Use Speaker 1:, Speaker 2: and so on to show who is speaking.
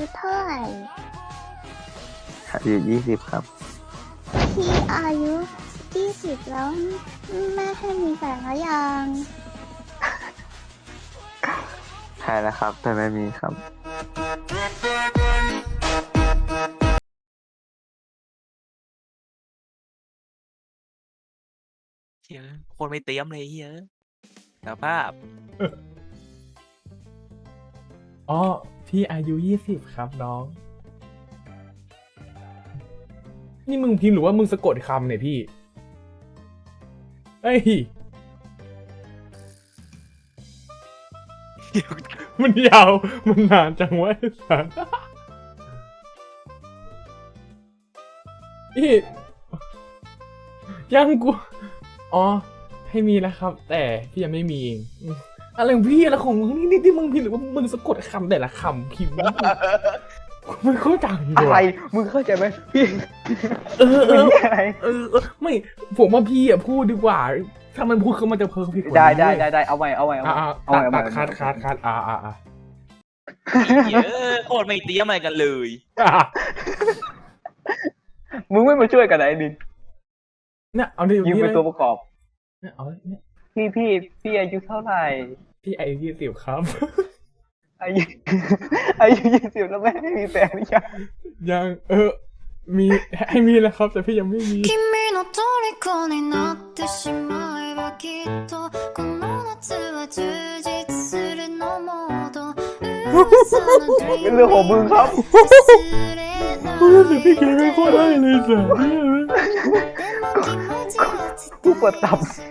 Speaker 1: เท่าไหร่
Speaker 2: อายุ20 ครับ
Speaker 1: พี่อายุ20แล้วแม่ให้มีแฟนแล้วยัง
Speaker 2: ใช่แล้วครับ แต่ไม่มีครับ
Speaker 3: เฮียคนไม่เตรียมเลยเฮียสภาพ
Speaker 4: อ๋อพี่อายุ20ครับน้อง นี่มึงพิมพ์หรือว่ามึงสะกดคำเนี่ยพี่เอ้ย มันยาว มันนานจังวะไอ้สัสพี่ยังกู อ๋อ ให้มีแล้วครับ แต่พี่ยังไม่มีเองอะไรของพี่อะไรของมึงนี่ที่มึงพิมพ์หรือว่ามึงสะกดคำแต่ละคำพิมพ์กูไม่เข้าใจ
Speaker 2: อะไร
Speaker 4: ว่ะ
Speaker 2: มึงเข้าใจไหมพี่
Speaker 4: เออ
Speaker 2: อะไร
Speaker 4: ไม่ผมว่าพี่อ่ะพูดดีกว่า ถ้ามันพูดคือมันจะเพิ่มผิดกว่า
Speaker 2: ได้
Speaker 4: นี้
Speaker 2: ได้เอาไว้เอาไว้
Speaker 4: ตัดคัด
Speaker 3: เฮียโคตรไม่เตรียมอะไรกันเลย
Speaker 2: มึงไม่มาช่วยกันไหนดิน
Speaker 4: เนี่ยเอาดิ
Speaker 2: ยิงเป็นตัวประกอบ
Speaker 4: เนี่ยเอาเนี่ย
Speaker 2: พี่อายุเท่าไหร่
Speaker 4: พี่อายุ20ครับ
Speaker 2: อายุ 20แล้วแม่ไม่มีแฟนหรือยัง
Speaker 4: ยังมีให้มีแล้วครับ แต่พี่ยังไม่มี
Speaker 5: 君の虜になってしまえばきっとこの夏は充実するのもっと噂の
Speaker 2: เป็นเรื่องของมึงครับ
Speaker 5: 忘れない
Speaker 4: แต่พี่เกย์ไม่ค่อยได้เลยจ้ะ
Speaker 5: でも気持ちは伝
Speaker 2: กูกดตับ
Speaker 5: え